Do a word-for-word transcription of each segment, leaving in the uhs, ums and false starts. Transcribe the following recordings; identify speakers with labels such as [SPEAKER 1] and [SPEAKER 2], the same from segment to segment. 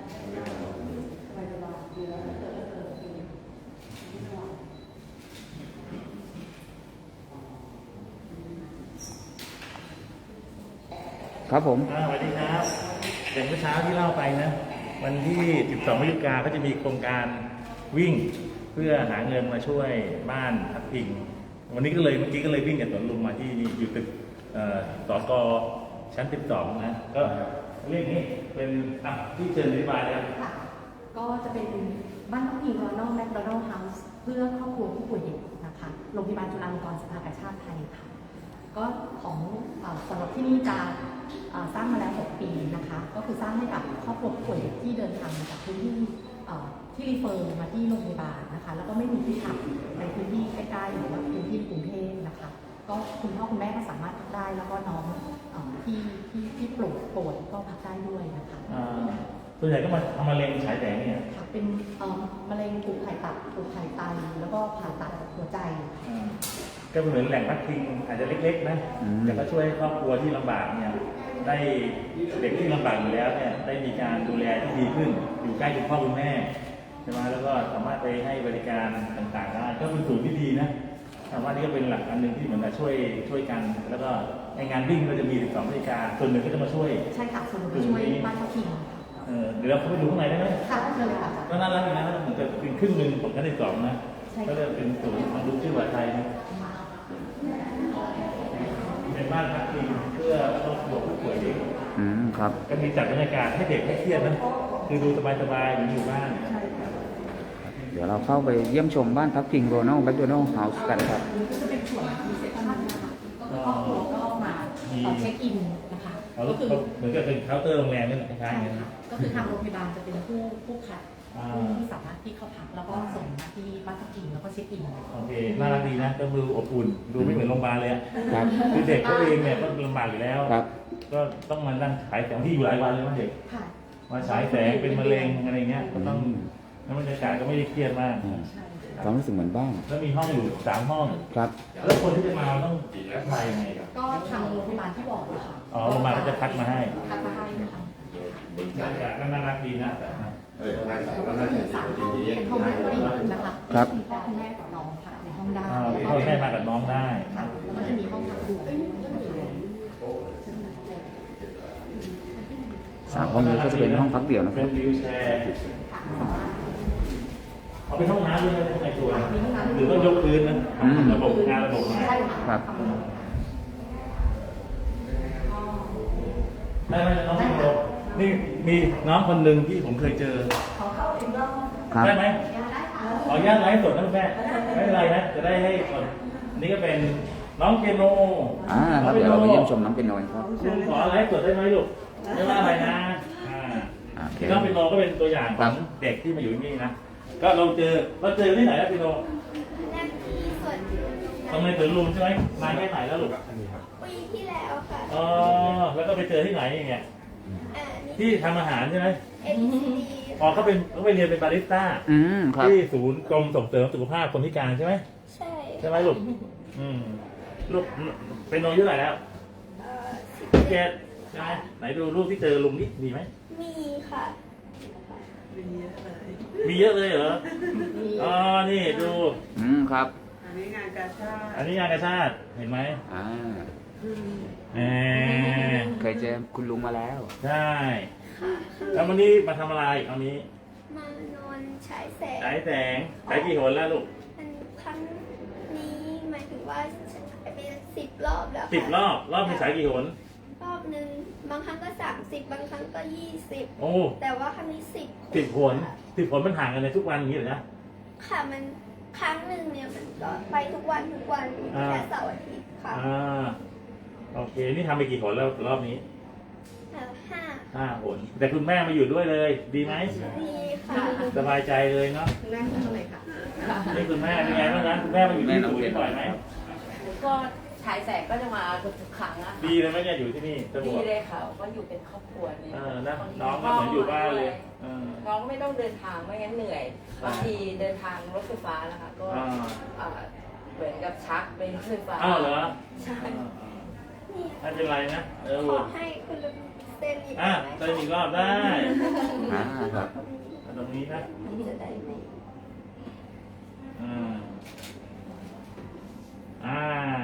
[SPEAKER 1] ครับผม
[SPEAKER 2] สวัสดีครับอย่างเมื่อเช้าที่เล่าไปนะวันที่สิบสองพฤศจิกายนก็จะมีโครงการวิ่งเพื่อหาเงินมาช่วยบ้านพักพิงวันนี้ก็เลยเมื่อกี้ก็เลยวิ่งจากสวนลุมมาที่นี่อยู่ตึกสกชั้นสิบสองนะก็เรื่องนี้เป็นที่เชิญอธิบายแล้ว
[SPEAKER 3] ก็จะเป็นบ้านพักพิงโรนัลแมคโดนัลด์เฮาส์เพื่อครอบครัวผู้ป่วยเด็กนะคะโรงพยาบาลจุฬาลงกรณ์สภากาชาดไทยค่ะก็ของสำหรับที่นี่จะสร้างมาแล้วหกปีนะคะก็คือสร้างให้กับครอบครัวผู้ป่วยเด็กที่เดินทางมาจากพื้นที่ที่รีเฟอร์มาที่โรงพยาบาลนะคะแล้วก็ไม่มีที่พักในพื้นที่ใกล้ๆหรือว่าพื้นที่กรุงเทพนะคะก็คุณพ่อคุณแม่ก็สามารถพักได้แล้วก็น้องที่ที่ที่ปวดป่วยก็พักได้ด้วยนะคะ
[SPEAKER 2] ส่วนใหญ่ก็มาทำมะเร็งฉายแสงเนี่ย
[SPEAKER 3] ค่ะเป็นมะเร็งกลุ่มไข่ตับกลุ่มไข่ไตแล้วก็ผ่าตัดหัวใจ
[SPEAKER 2] ก็เหมือนแหล่งพักพิงอาจจะเล็กๆนะแต่ก็ช่วยครอบครัวที่ลำบากเนี่ยได้เด็กที่ลำบากอยู่แล้วเนี่ยได้มีการดูแลที่ดีขึ้นอยู่ใกล้คุณพ่อคุณแม่ใช่ไหมแล้วก็สามารถไปให้บริการต่างๆได้ก็เป็นสูตรที่ดีนะแต่ว่านี่ก็เป็นหลักอันหนึ่งที่เหมือนกับช่วยช่วยกันแล้วก็ในงานวิ่งก็จะมีสิบสองบริการส่วนหนึ่งก็จะมาช่วย
[SPEAKER 3] ใช่ค่ะส่วนหนึ่งช่วยบ้านพักพิง
[SPEAKER 2] เออเดี๋ยวเราเข้าไปดูข้างในได้ไหม
[SPEAKER 3] ค่ะได้เลยค่ะ
[SPEAKER 2] ก็น่ารักอยู่นะเหมือนกับเป็นครึ่งหนึ่งของชั้นที่สองนะก็จะเป็นศูนย์มาดูชื่อว่าไทยนะเป็นบ้านพักพิงเพื่อครอบครัวผู้ป่วยเด็ก
[SPEAKER 1] อืมครับ
[SPEAKER 2] ก็มีจัดบรรยากาศให้เด็กไม่เครียดนะคือดูสบายๆอยู่บ้าน
[SPEAKER 1] เดี๋ยวเราเข้าไปเยี่ยมชมบ้านพักพิงโรนัลแมคโดนัลด์เฮาส์กันครับ
[SPEAKER 3] ก็จะเป็นส่วนรีเซพชันนะคะครอบครัวก็มาเช็คอินนะคะ
[SPEAKER 2] ก็คือเหมือนกับเป็นเคาน์เตอร์โรงแรมนี่แหละคล้ายๆกัน
[SPEAKER 3] ก็คือทางโรงพยาบาลจะเป็นผู้ผู้คัดที่สามารถที่เข้าพักแล้วก็ส่งมาที่บ้านพักพิงแล้วก็เช็คอิน
[SPEAKER 2] โอเคน่ารักดีนะก็ดูอบอุ่นดูไม่เหมือนโรงพยาบาลเลยครับคือเด็กเขาเองเนี่ยก็ลำบากอยู่แล้วก็ต้องมานั่งฉายแสงที่อยู่หลายวันเลยมั้งเด็กมาฉายแสงเป็นมะเร็งอะไรเงี้ยก็ต้องน้ำบรรยากาศก็ไม่ได้เครียดมาก
[SPEAKER 1] ความรู้สึกเหมือนบ้าน
[SPEAKER 2] แล้วมีห้องอยู่สามห้อง
[SPEAKER 1] ครับ
[SPEAKER 2] แล้วคนที่จะมาต้องมายังไงครับ
[SPEAKER 3] ก็ทางโรงพยาบาลที่บอกค่ะ
[SPEAKER 2] อ๋อโรงพยาบาลก็จะพักมาให้
[SPEAKER 3] พักมาให้นะคะ
[SPEAKER 2] บรรยากาศก็น่ารักดีนะ
[SPEAKER 3] เออก็มีสามห้องเป็นห้องแม่นะคะ
[SPEAKER 1] ครับ
[SPEAKER 3] พ่อคุณแม่กับน้องพักในห้องได้
[SPEAKER 2] พ่อแม่มากับน้องได้
[SPEAKER 3] แล้วก็จะมีห้องพักดู
[SPEAKER 1] สามห้องนี้ก็จะเป็นห้องพักเดี่ยวนะค
[SPEAKER 2] รั
[SPEAKER 1] บ
[SPEAKER 2] เป็นวิวแชร์เอาเป็นห้องน้ำด้วยนะในตัวหรือว่ายกพื้นนะระบบงานระบบมา
[SPEAKER 1] ครับ
[SPEAKER 2] ได้ไหมน้องพี่โรนี่มีน้องคนหนึ่งที่ผมเคยเจอได้ไหมขออนุญาตไลฟ์สดนะแม่ไม่เป็นไรนะจะได้ให้คนนี่ก็เป็นน้องเปียโน
[SPEAKER 1] อ่าครับเดี๋ยวเราไปเยี่ยมชมน้องเปียโนครับ
[SPEAKER 2] คุณขอไลฟ์สดได้ไหมลูกไม่ว่าอะไรนะน้องเปียโนก็เป็นตัวอย่างของเด็กที่มาอยู่ที่นี่นะก็เราเจอเราเจอที่ไหนแล้วพี่โนตรงในสวนลุมใช่ไหมมาแค่ไหนแล้วลูก
[SPEAKER 4] ปีที่แล้วค่ะ
[SPEAKER 2] อ๋อแล้วก็ไปเจอที่ไหนอย่างเงี้ยที่ทำอาหารใช่ไหมอ๋อเขาเป็นเขาไปเรียนเป็นบาริสต้าที่ศูนย์กรมส่งเสริมสุขภาพคนพิการใช่ไหม
[SPEAKER 4] ใช่
[SPEAKER 2] ใช่ไหมลูกอืมลูกเป็นโนอายุเท่าไหร่แล้วสิบเจ็ดใช่ไหมไหนดูรูปที่เจอลุงนี่มีไหม
[SPEAKER 4] มีค่ะ
[SPEAKER 2] มีเยอะเลยเหรออ๋อนี่ดู
[SPEAKER 1] อืมครับ
[SPEAKER 5] อันนี้งานกาชาติ
[SPEAKER 2] อันนี้งานกาชาติเห็นไหม
[SPEAKER 1] อ่า
[SPEAKER 2] แหม
[SPEAKER 1] เคยเจอคุณลุงมาแล้ว
[SPEAKER 2] ใช่แล้ววันนี้มาทำอะไรเอานี้
[SPEAKER 4] มานอนฉายแสง
[SPEAKER 2] ฉายแสงฉายกี่หนแล้วลูก
[SPEAKER 4] ครั้งนี้หมายถึงว่าเป็นสิบรอบแล้ว
[SPEAKER 2] สิบรอบรอบมีฉายกี่หน
[SPEAKER 4] รอบหนึ่งบางครั้งก็สามสิบบางครั้งก็ยี่สิบ
[SPEAKER 2] โอ้
[SPEAKER 4] แต่ว่าครั้งนี้สิบ
[SPEAKER 2] สิบหนสิบหนมันห่างกันในทุกวันอย่างนี้เหรอนะ
[SPEAKER 4] ค่ะมันครั้งหนึ่งเนี่ยมันก็ไปทุกวันทุกวันแค่เสาร์อาทิตย์ค่ะ
[SPEAKER 2] อ่าโอเคนี่ทำไปกี่หนแล้วรอบนี้
[SPEAKER 4] ห้า
[SPEAKER 2] ห้าหนแต่คุณแม่มาอยู่ด้วยเลยดีไหม
[SPEAKER 4] ดีค่ะ
[SPEAKER 2] สบายใจเลยเนาะ
[SPEAKER 3] นั่งตรงไหนคะ
[SPEAKER 2] นี่คุณแม่เป็นไงบ้างนะคุณแม่มาอยู่ที่ศูนย์บ่อยไหม
[SPEAKER 6] ก็ฉายแสงก็จะมาทุกครั้งอะ
[SPEAKER 2] ดีเลยไหมเนี่ยอยู่ที่นี่
[SPEAKER 6] ดีเลยค่ะก็อยู่เป็นครอบครัวเนี่ย
[SPEAKER 2] น้องก็เหมือนอยู่บ้านเลย
[SPEAKER 6] น้องก็ไม่ต้องเดินทางไม่งั้นเหนื่อยบางทีเดินทางรถไฟฟ้านะคะก็เหมือนกับชักเป็นรถไฟฟ้า
[SPEAKER 2] อ้าวเหรอ
[SPEAKER 6] ใช่
[SPEAKER 2] ไม่เป็นไรนะ
[SPEAKER 4] ขอให้คุณลุงเซ็นอีก
[SPEAKER 2] อ่ะเซ็นอีกรอบได้
[SPEAKER 1] อ่าครับครับ
[SPEAKER 2] ตรงนี้นะ
[SPEAKER 4] จะได้ไหม
[SPEAKER 2] อ่าอ่า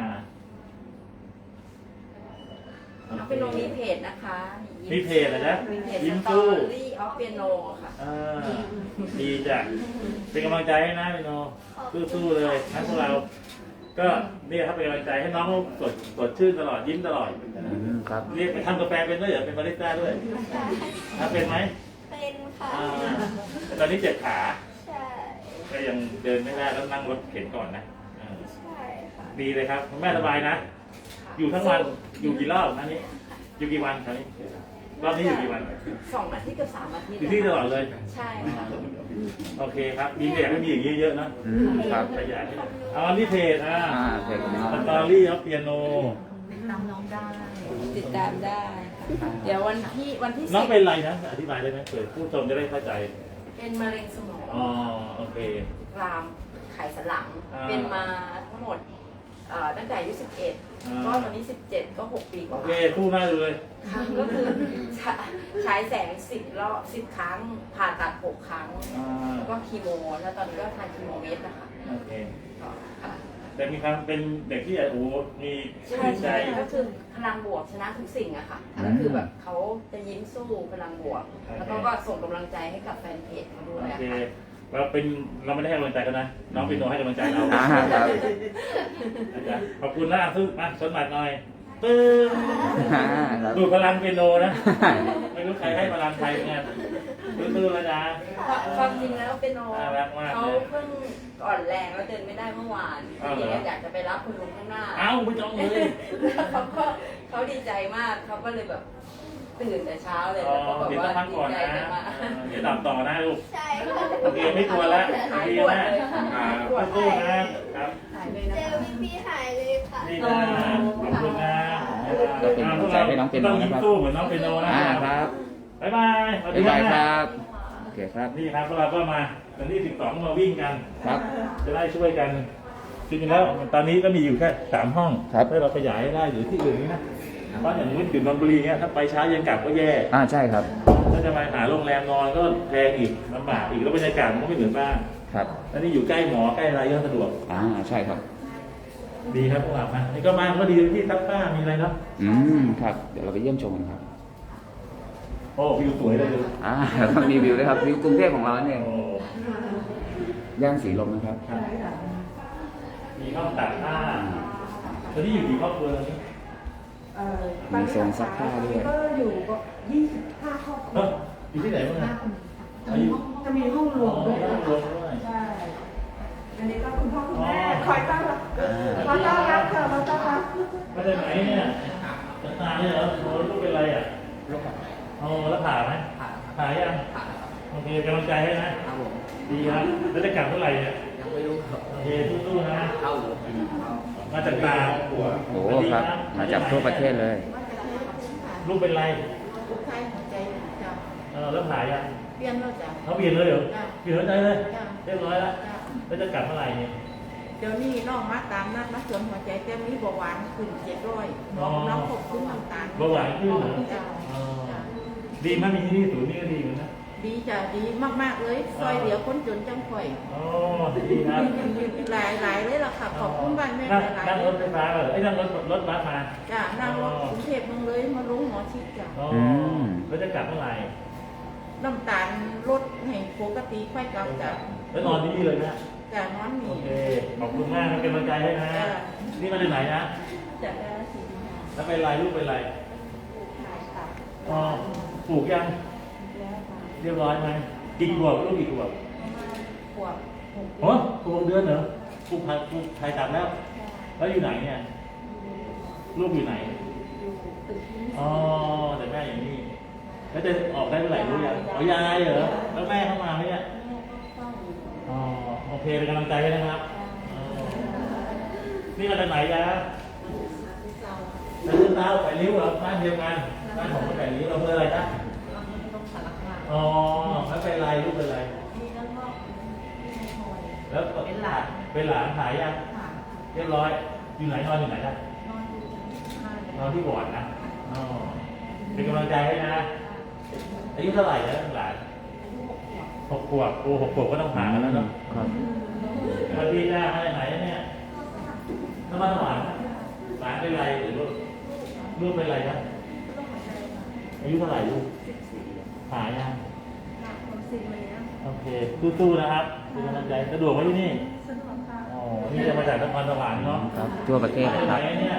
[SPEAKER 6] น้องเป็นโนมีเพจนะคะ
[SPEAKER 2] มีเพจเหรอจ๊ะ
[SPEAKER 6] มีเพจ
[SPEAKER 2] ยิ้ม
[SPEAKER 6] สตอ
[SPEAKER 2] สู้
[SPEAKER 6] รี่ออฟเปียโนค่ะ
[SPEAKER 2] อ่าดีจ้ะเป็นกำลังใจให้นะพี่โนสู้ๆเลยนะพวกเรา ก็นี่ครับเป็นกำลังใจให้น้องสดสดชื่นตลอดยิ้มตลอด
[SPEAKER 1] อืมครับ
[SPEAKER 2] เรียกไปทำกาแฟเป็นด้วยเหรอเป็นบาริสต้าด้วย
[SPEAKER 4] ใช่
[SPEAKER 2] ทำเป็นไหม
[SPEAKER 4] เป็นค่ะ
[SPEAKER 2] อ่าแต่ตอนนี้เจ็บขา
[SPEAKER 4] ใช่
[SPEAKER 2] ก็ยังเดินไม่ได้แล้วนั่งรถเข็นก่อนนะอ่า
[SPEAKER 4] ใช่ค่ะ
[SPEAKER 2] ดีเลยครับคุณแม่สบายนะ อยู่ทั้งวันอยู่กี่รอบอันนี้ อยู่กี่วันคราวนี้รอบนี้อยู่กี่วัน
[SPEAKER 6] สองอาทิตย์กับสามอาทิตย์
[SPEAKER 2] อยู่ที่ตลอดเลย
[SPEAKER 6] ใช่ค่ะ
[SPEAKER 2] โอเคครับดีเด็กไม่มีอย่างนี้เยอะนะ
[SPEAKER 1] อืมครับ
[SPEAKER 2] ขยายเอาอันนี้เพจอ่า
[SPEAKER 1] อ่าเพจของน้อง
[SPEAKER 2] สตอรี่ออฟเปียโน
[SPEAKER 3] ติดตามน้องได้
[SPEAKER 6] ติดตามได้ค่ะเดี๋ยววันที่วันที่
[SPEAKER 2] น้อง
[SPEAKER 6] สิบ
[SPEAKER 2] เป็นไรนะอธิบายได้ไหมเผื่อผู้ชมจะได้เข้าใจ
[SPEAKER 6] เป็นมะเร็งสมอง
[SPEAKER 2] อ๋อโอเค
[SPEAKER 6] รามไขสันหลัง
[SPEAKER 2] อ่า
[SPEAKER 6] เป็นมาทั้งหมดเอ่อตั้งแต่อายุสิบเอ็ด
[SPEAKER 2] อ่า
[SPEAKER 6] ก็ตอนนี้สิบเจ็ดก็หกปีก
[SPEAKER 2] โอ
[SPEAKER 6] ว่า
[SPEAKER 2] เคคู่หน้าดูเลย
[SPEAKER 6] ค่ะก็คือใช้ใช้แสงสิบรอบสิบครั้ง ผ่าตัดหกครั้ง
[SPEAKER 2] อ่า
[SPEAKER 6] แล้วก็คีโม แล้วตอนนี้ก็ทานคีโมเม็ดนะคะ
[SPEAKER 2] โอเค
[SPEAKER 6] ก็ค่ะ
[SPEAKER 2] แต่มีความเป็นเด็กที่โอ้โหมี
[SPEAKER 6] ใช่
[SPEAKER 2] จิตใจ
[SPEAKER 6] ใช่ก็คือพลังบวกชนะทุกสิ่งอะค่ะก็คือแบบเขาจะยิ้มสู้พลังบวก แล้วก็ก็ส่งกำลังใจให้กับแฟนเพจเขาด้วย
[SPEAKER 2] โอ
[SPEAKER 6] อะ
[SPEAKER 2] เค
[SPEAKER 6] ค่ะ
[SPEAKER 2] เราเป็นเราไม่ได้ให้กำลังใจเขานะน้องเป็นโนให้กำลังใจเรา
[SPEAKER 1] อ่าครับ
[SPEAKER 2] อาจารย์ขอบคุณนะซึ่งมาชนบัตรหน่อยตึ้ง
[SPEAKER 1] อ่าครับ
[SPEAKER 2] ดูดพลังเป็นโนนะ ไม่รู้ใครให้พลังใครเนี่ยตื้อๆแล้วนะ
[SPEAKER 6] ความจริงแล้วเป็นโน
[SPEAKER 2] น่ารักมาก
[SPEAKER 6] เขาเพิ่งอ่อนแรงแล้วเดินไม่ได้เมื่อวาน
[SPEAKER 2] อ้าวเหร
[SPEAKER 6] ที
[SPEAKER 2] อ
[SPEAKER 6] นี้อยากจะไปรับคุณลุงข้างหน้า
[SPEAKER 2] เอ้าไม่ต้องเลย
[SPEAKER 6] แล้วเขาก็เขาดีใจมากเขาก็เลยแบบตื่นแต่เช้าเลย
[SPEAKER 2] อ๋อ
[SPEAKER 6] แล้วก็แบบ
[SPEAKER 2] เดี๋ยว
[SPEAKER 6] ว่า
[SPEAKER 2] ต้องพัก
[SPEAKER 6] ดี
[SPEAKER 2] ก่อน
[SPEAKER 6] ใจ
[SPEAKER 2] นะ
[SPEAKER 6] กันมา
[SPEAKER 2] เออเดี๋ยวดับต่อนะลูก
[SPEAKER 4] ใช่ค่ะ
[SPEAKER 2] โอเคไม่กลัวแล้ว
[SPEAKER 6] หาย
[SPEAKER 2] ดี
[SPEAKER 6] ปวด
[SPEAKER 2] นะ
[SPEAKER 6] เลยค่ะ
[SPEAKER 2] อ่า
[SPEAKER 6] หายปวด
[SPEAKER 2] สู้ๆนะครับ
[SPEAKER 3] หายเลยนะ
[SPEAKER 4] เจอ
[SPEAKER 3] คะ
[SPEAKER 4] พี่พี่หายเลยค่ะ
[SPEAKER 2] นี่นะขอบคุณนะ
[SPEAKER 1] ก็เป็นกำลังใจให้น้องเปียโน
[SPEAKER 2] ต้องยิ้
[SPEAKER 1] นะ
[SPEAKER 2] ม
[SPEAKER 1] ครับ
[SPEAKER 2] สู้เหมือนน้องเปียโนนะ
[SPEAKER 1] อ่าครับ
[SPEAKER 2] บ๊ายบายสวัสดี
[SPEAKER 1] บ๊ายบายค
[SPEAKER 2] นะ
[SPEAKER 1] รับโอเคครับ
[SPEAKER 2] นี่ครับพวกเราก็มาวันที่สิบสองมาวิ่งกัน
[SPEAKER 1] ครับ
[SPEAKER 2] จะได้ช่วยกันจริงๆแล้วตอนนี้ก็มีอยู่แค่สามห้อง
[SPEAKER 1] ครับ
[SPEAKER 2] ถ้าเราขยายได้หรือที่อื่นนี่นะเพราะอย่างนี้อยู่นนทบุรีเงี้ยถ้าไปเช้าเย็นกลับก็แย่
[SPEAKER 1] อ่าใช่ครับ
[SPEAKER 2] ถ้าจะมาหาโรงแรมนอนก็แพงอีกลำบากอีกแล้วบรรยากาศมันก็ไม่เหมือนบ้าน
[SPEAKER 1] ครับ
[SPEAKER 2] แล้วนี่อยู่ใกล้หมอใกล้อะไรก็สะดวก
[SPEAKER 1] อ่าใช่ครับ
[SPEAKER 2] ดีครับพวกเรานะนี่ก็มาก็ดีที่ซักผ้ามีอะไรเนาะ
[SPEAKER 1] อืมครับ เดี๋ยวเราไปเยี่ยมชมกันครับ
[SPEAKER 2] โอ้วิวสวยเลยดู
[SPEAKER 1] อ่าเรามีวิวด้วยครับวิวกรุงเทพของเราเนี่ย
[SPEAKER 2] โอ้
[SPEAKER 1] ย่านสีลมนะครับ
[SPEAKER 2] ครับมีห้องตากผ้าตอนนี้อยู่กี่ครอบครัวตอนนี้
[SPEAKER 3] เอ่อ
[SPEAKER 1] มีโซนซักผ้าด้วย
[SPEAKER 3] ก็อยู่ก็ยี่สิบห้าครอบครั
[SPEAKER 2] เอ้
[SPEAKER 3] ว
[SPEAKER 2] ออยู่ที่ไหนบ้าง
[SPEAKER 3] ห้า
[SPEAKER 2] อะ
[SPEAKER 3] คนจะมีห้องจะมีห้องรวมด้วย
[SPEAKER 2] ห้
[SPEAKER 3] นะ
[SPEAKER 2] องรวมด้วย
[SPEAKER 3] ใช่ อันนี้ก็คุณพ่อคุณแม่คอยต้อนรับ
[SPEAKER 1] อ่า
[SPEAKER 3] มาต้อนรับค่ะมาต้อนรับ
[SPEAKER 2] มาจากไหนเนี่ยจากตาเนี่ยเหรอโอ้ลูกเป็นอะไรอ่ะลูกอ๋อแล้วผ่าไหมผ่าผ่ายังโอเคกำลังใจให้นะครับผมดีครับแล้วจะกลับเมื่อไหร่เนี่ยยังไม่รู้โอเคสู้ๆนะเข้ามาจากตา
[SPEAKER 1] โอ้ครับ มาจากทั่วประเทศเลย
[SPEAKER 2] ลูกเป็นไร
[SPEAKER 3] ลูกชายหัวใจจ้ะ
[SPEAKER 2] เออแล้วผ่ายัง
[SPEAKER 3] เปลี่ยนแล้วจ้ะ
[SPEAKER 2] เขาเปลี่ยนเลยเหรอ
[SPEAKER 3] จ้ะ
[SPEAKER 2] เปลี่ยนหัวใจเลย
[SPEAKER 3] จ้ะ
[SPEAKER 2] เรียบร้อยแล้ว
[SPEAKER 3] จ้ะ
[SPEAKER 2] แล้วจะกลับเมื่อไหร่เนี่ย
[SPEAKER 3] เดี๋ยวนี้น้องมาตามนัดมาสวนหัวใจเต็มนี้เบาหวานขึ้นเจ็ดร้อยน้องน้องควบคุมน้ำตาล
[SPEAKER 2] เบาหวานขึ้นเหรอ
[SPEAKER 3] จ้ะ
[SPEAKER 2] อ๋อ
[SPEAKER 3] จ้ะ
[SPEAKER 2] ดีไหมมีที่นี่ศูนย์นี่ก็ดีเหมือนกันนะ
[SPEAKER 3] ดีจ้ะดีมากๆเลยซอยเหลือคนจนจังข่อย
[SPEAKER 2] อ๋อดีครับ
[SPEAKER 3] หลายหลายเลยล่ะค่ะขอบคุณบ้านแม่
[SPEAKER 2] นั่ง
[SPEAKER 3] หลาย
[SPEAKER 2] นั่ง
[SPEAKER 3] ๆ
[SPEAKER 2] รถไฟฟ้าเหรอไอ้ยนั่งรถรถบัสมา
[SPEAKER 3] จ้ะนั่งรถกรุงเทพเมืองเลยมาลงหมอชิดจ้ะ
[SPEAKER 2] อ๋อ
[SPEAKER 1] ม
[SPEAKER 2] แล้วจะกลับเมื่อไหร่
[SPEAKER 3] น้ำตาลลดให้ปกติค่อยกลับจ้ะ
[SPEAKER 2] แล้วนอนที่นี่เลยนะ
[SPEAKER 3] จ้ะนอนมี
[SPEAKER 2] โอเค ขอบคุณมากนะเป็นกำลังใจให้นะ
[SPEAKER 3] จ้ะ
[SPEAKER 2] นี่มาจากไหนนะ
[SPEAKER 3] จ้ะได้สิ
[SPEAKER 2] แล้วเป็นไรลูกเป็นไร
[SPEAKER 3] ขายค่ะ
[SPEAKER 2] อ๋อปลูกยัง
[SPEAKER 3] แล้วค่ะ
[SPEAKER 2] เรียบร้อยไหมกี่ขวบลูกกี่ขวบ
[SPEAKER 3] ขวบหก
[SPEAKER 2] โอ้ปลูกเดือนเหรอปลูกไทยปลูกไทยตัดแล้ว แล้วอยู่ไหนเนี่ย ลูกอยู่ไหน
[SPEAKER 3] อยู่ตึกนี้
[SPEAKER 2] อ๋อ แต่แม่อย่างนี้ แล้วจะออกได้เมื่อไหร่รู้ยังอ๋อยายเหรอ แล้วแม่เข้ามาไหมเนี่ย
[SPEAKER 3] แม่ก็เฝ้าอยู่
[SPEAKER 2] อ๋อ โอเค เป็นกำลังใจให้นะครับอ๋อนี่มาจากไหนยะ
[SPEAKER 3] เจ้า
[SPEAKER 2] แต่เรื่องราวแปดริ้วเหรอบ้านเดียวกันบ้านของแปดริ้วเราเพื่ออะไรนะ
[SPEAKER 3] ต้องสารคาม
[SPEAKER 2] อ๋อแล้วเป็นไรลูกเป็นไร
[SPEAKER 3] นี่แล้วก็ที่ในหอย
[SPEAKER 2] แล้วก็
[SPEAKER 3] เป็นหลาน
[SPEAKER 2] เป็นหลานหายยัง
[SPEAKER 3] ค่ะ
[SPEAKER 2] เรียบร้อย อยู่ไหนนอนอยู่ไหนนะ
[SPEAKER 3] นอนอยู่ชั้นห้าน
[SPEAKER 2] อนที่บอร์ดนะอ๋อเป็นกำลังใจให้นะ อายุเท่าไหร่แล้วหลาน
[SPEAKER 3] อายุหก
[SPEAKER 2] หกขวบโอ้หกขวบก็ต้องผ่ากันแล้วเนาะ
[SPEAKER 1] ครับ
[SPEAKER 2] สวัสดีจ้าอะไรไหนเนี่ยน้ำมันหวานหวานเป็นไรหรือลูกลูกเป็นไรครับอายุเท่าไหร่ลูกผ่ายังโอเคสู้ๆนะครับเป็นกำลังใจสะดวกไหมที่นี่สะดวกค่ะอ๋อนี่จะมาจากนครสวรรค์เนาะ
[SPEAKER 1] ครับทั่วประเทศเลยครับ
[SPEAKER 2] ไหนเนี่ย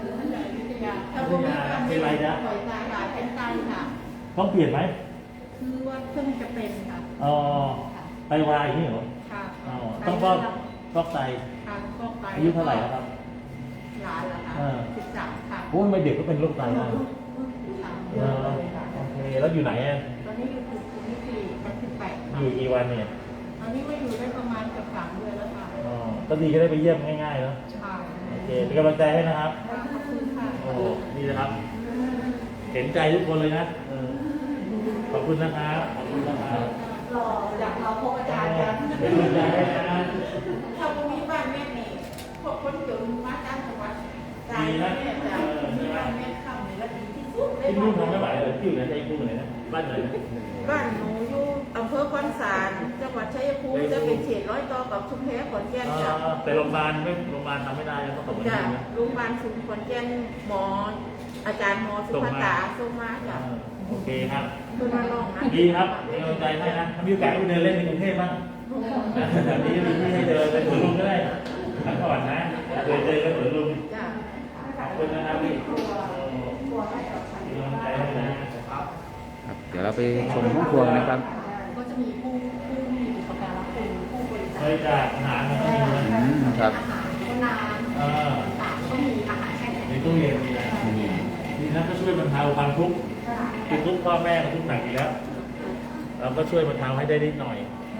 [SPEAKER 2] เป็นไรจ๊ะ
[SPEAKER 5] เป็นไตค่ะ
[SPEAKER 2] ต้องเปลี่ยนไหม
[SPEAKER 5] คือว่าเพิ่งจะเป็นค่ะ
[SPEAKER 2] อ๋อไตวายนี่เหรอ
[SPEAKER 5] ค่ะ
[SPEAKER 2] อ๋อต้องฟอกฟอกไต
[SPEAKER 5] ค่ะฟอกไต
[SPEAKER 2] อายุเท่าไหร่แล้วครับ
[SPEAKER 5] หลานเหรอคะ
[SPEAKER 2] เออ
[SPEAKER 5] สิบสามค่ะ
[SPEAKER 2] โอ้ยไม่เด็กก็เป็นโรคไตได้
[SPEAKER 5] ค่ะ
[SPEAKER 2] เออโอเคแล้วอยู่ไหนอ่ะ
[SPEAKER 5] ตอนนี้อยู่ที่ที่สี่เป็นสิบแปด
[SPEAKER 2] อ
[SPEAKER 5] ค่ะ
[SPEAKER 2] ยู่กี่วันเนี่ย
[SPEAKER 5] ตอนนี้มาอยู่ได้ประมาณเกือบสามเดือนแล้วค่ะ
[SPEAKER 2] อ๋อก็ดีก็ได้ไปเยี่ยมง่ายๆเนาะ
[SPEAKER 5] ค่ะ
[SPEAKER 2] โอเคเป็นกำลังใจให้นะครับ
[SPEAKER 5] ขอบคุณค่ะ
[SPEAKER 2] โอ้ดีนะครับ เห็นใจทุกคนเลยนะเออขอบคุณนะครับ ขอบคุณนะครับ
[SPEAKER 5] รออยากเราพบอาจารย์กัน
[SPEAKER 2] เป็นกำลังใจให้นะ
[SPEAKER 5] ถ้าพรุ่งนี้บ้านแม่นี่พวกคนจนมาจ้างจังหวัดจ่ายแม่จ่ายมีบ้านแม่ข้ามในละดีที่สุดเลย
[SPEAKER 2] ที่ลูกทำไม่ไหวเลยที่อยู่ในใจกูไหนนะ บ้านไหนนะ
[SPEAKER 5] บ้านหนูอยู่อำเภอคอนสารจังหวัดชัยภูมิจะเป็นเขตร้อยต่อกับชุมแพขอนแก่น
[SPEAKER 2] อ๋
[SPEAKER 5] จ้ะ
[SPEAKER 2] อแต่โรงพยาบาลไม่โรงพยาบาลทำไม่ได้นะต้องขอบคุณ
[SPEAKER 5] จ้ะ
[SPEAKER 2] นะ
[SPEAKER 5] โรงพยาบาลศูนย์ขอนแก่นหมอ อาจารย์หมอสุภาตาส่งมาจ้ะ
[SPEAKER 2] โอเคครับ
[SPEAKER 5] คือมาลองนะ
[SPEAKER 2] ดีครับเป็นกำลังใจให้นะถ้ามีโอกาสก็ไปเดินเล่นในกรุงเทพบ้างแบบนี้มีที่ให้เดินไปสวนลุมก็ได้พักผ่อนนะเคยเจอกันสวนลุม
[SPEAKER 5] จ้ะ
[SPEAKER 2] ขอบคุณนะครับพี่เป็นกำลังใจให้นะครับ
[SPEAKER 1] ครับ เดี๋ยวเราไปชมห้องครัวนะครับ
[SPEAKER 3] ก็จะมีผู้ผู้มีอุปการะคุณผู้บริจา
[SPEAKER 2] เค
[SPEAKER 3] ค
[SPEAKER 2] ยจากอาหารมาให้ดูนะ
[SPEAKER 1] อืมครับ
[SPEAKER 3] อาหารก็น้
[SPEAKER 2] เออ
[SPEAKER 3] ำต่างๆก็มีอาหารแช่แข็ง
[SPEAKER 2] ในตู้เย็นมีนะ
[SPEAKER 1] อืม
[SPEAKER 2] ดีนะก็ช่วยบรรเทาความทุกข์คือทุกข์พ่อแม่ก็ทุกข์หนักอยู่แล้ว เราก็ช่วยบรรเทาให้ได้นิดหน่อย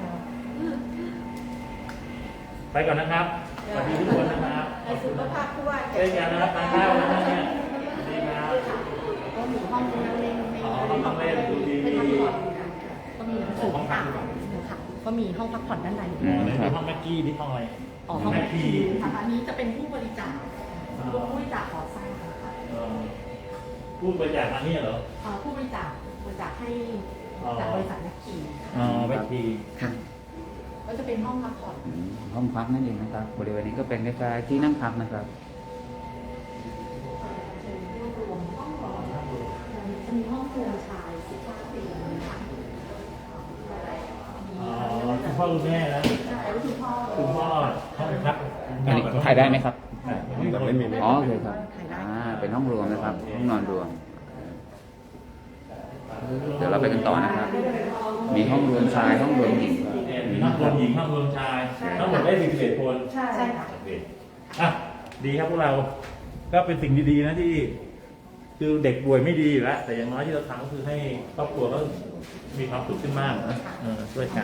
[SPEAKER 2] ไปก่อนนะครับสวัสดีทุกคนนะครับ
[SPEAKER 5] ในสุขภาพผู้ว่า
[SPEAKER 2] เช่นกันนะครับทานข้าวนะครับเนี่ยดีครับ
[SPEAKER 3] ก็มีห้องนั่งเล่นใน
[SPEAKER 2] อ๋อห้องนั่งเล่นดูทีวี
[SPEAKER 3] เป็นห้องนอนก็มีหนังสืออ่านค่ะก็มีห้องพักผ่อนด้านใน
[SPEAKER 1] อืม
[SPEAKER 2] ในห้องแม็กกี้ที่ห้องอะไร
[SPEAKER 3] อ๋อห้อง
[SPEAKER 2] แม็กกี้
[SPEAKER 3] ค่ะอันนี้จะเป็นผู้บริจาคผู้บริจาคขอสร้างค่ะ
[SPEAKER 2] เอ่อพูดบริจาคมาเนี่ยเหรอ
[SPEAKER 3] เอ่อผู้บริจาคบริจาคให้
[SPEAKER 2] อ๋อ
[SPEAKER 3] จากบริษัทนักขี่
[SPEAKER 2] อ๋อแม็กกี้
[SPEAKER 3] ค่ะก็จะเป็นห้องพักผ่อน
[SPEAKER 1] อืมห้องพักนั่นเองนะครับ บริเวณนี้ก็เป็นคล้ายๆที่นั่งพักนะครับ
[SPEAKER 3] รวบรวมห้องนอนจะมีห้องครัวชายสิบห้าเตียงค่ะมี
[SPEAKER 2] อ๋อคุณพ่อคุณแม่แล้ว
[SPEAKER 3] ใช่แล้วคุณพ่อ
[SPEAKER 2] คุณพ่อห้องพัก
[SPEAKER 1] อันนี้ถ่ายได้ไหมครับ
[SPEAKER 2] แต่ไม่มี
[SPEAKER 1] อ๋อโอเคครับ อ่า เป็นห้องรวมนะครับ ห้องนอนรวม เดี๋ยวเราไปกันต่อนะครับ มีห้องรวมชาย ห้องรวมหญิงครับ
[SPEAKER 2] เนี่ยมีห้องรวมหญิงห้องรวมชายทั้งหมดได้สี่สิบเอ็ดคน
[SPEAKER 3] ใช่ใช่ค่ะ
[SPEAKER 2] โอเคอ่ะดีครับพวกเรา ก็เป็นสิ่งดีๆนะที่ คือเด็กป่วยไม่ดีอยู่แล้ว แต่อย่างน้อยที่เราทำก็คือให้ครอบครัวก็มีความสุขขึ้นมากนะเออช่วยกัน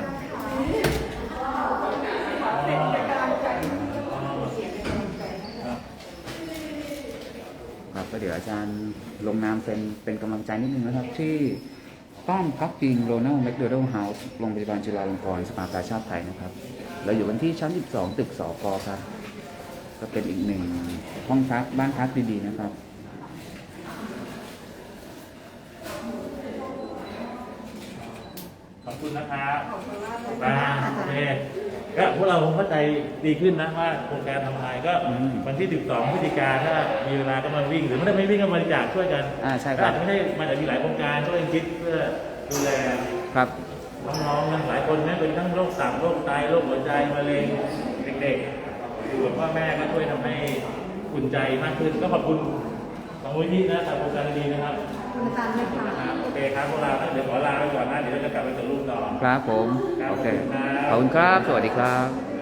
[SPEAKER 2] ครับ
[SPEAKER 1] ครับก็เดี๋ยวอาจารย์ลงนามเป็นเป็นกำลังใจนิดนึงนะครับ ที่ป้อมพักพิงโรนัลแมคโดนัลด์เฮาส์โรงพยาบาลจุฬาลงกรณ์สภากาชาติไทยนะครับ เราอยู่กันที่ชั้น สิบสอง ตึกสกครับ ก็เป็นอีกหนึ่งห้องพักบ้านพักดีๆนะครับ
[SPEAKER 2] ขอบคุณนะครับอ่าโอเคก็พวกเราคงเข้าใจดีขึ้นนะว่าโครงการทำอะไรก็
[SPEAKER 1] อืม
[SPEAKER 2] วันที่สิบสองพฤศจิกาถ้ามีเวลาก็มาวิ่ง หรือไม่ได้ไม่วิ่งก็มาบริจาคช่วยกัน
[SPEAKER 1] อ่าใช่ค
[SPEAKER 2] ก็
[SPEAKER 1] รับ
[SPEAKER 2] อาจจะไม่ได้มันอาจจะมีหลายโครงการช่วยกันคิดเพื่อดูแล
[SPEAKER 1] ครับ
[SPEAKER 2] น้องๆนะหลายคนนะเป็นทั้งโรคตับโรคไตโรคหัวใจมะเร็งเด็กๆอยู่กับพ่อแม่ก็ช่วยทำให้อุ่นใจมากขึ้นก็ขอบคุณของมูลนิธินะทางโครงการดีๆนะครับ
[SPEAKER 3] คุณอาจารย์ไม่ค่ะ
[SPEAKER 2] นะครับโอเคครับพวกเราเดี๋ยวขอลาไปก่อนนะเดี๋ยวเราจะกลับไปสรุปต่อ
[SPEAKER 1] ครับผม โอเค ขอบคุณครับ สวัสดีครับ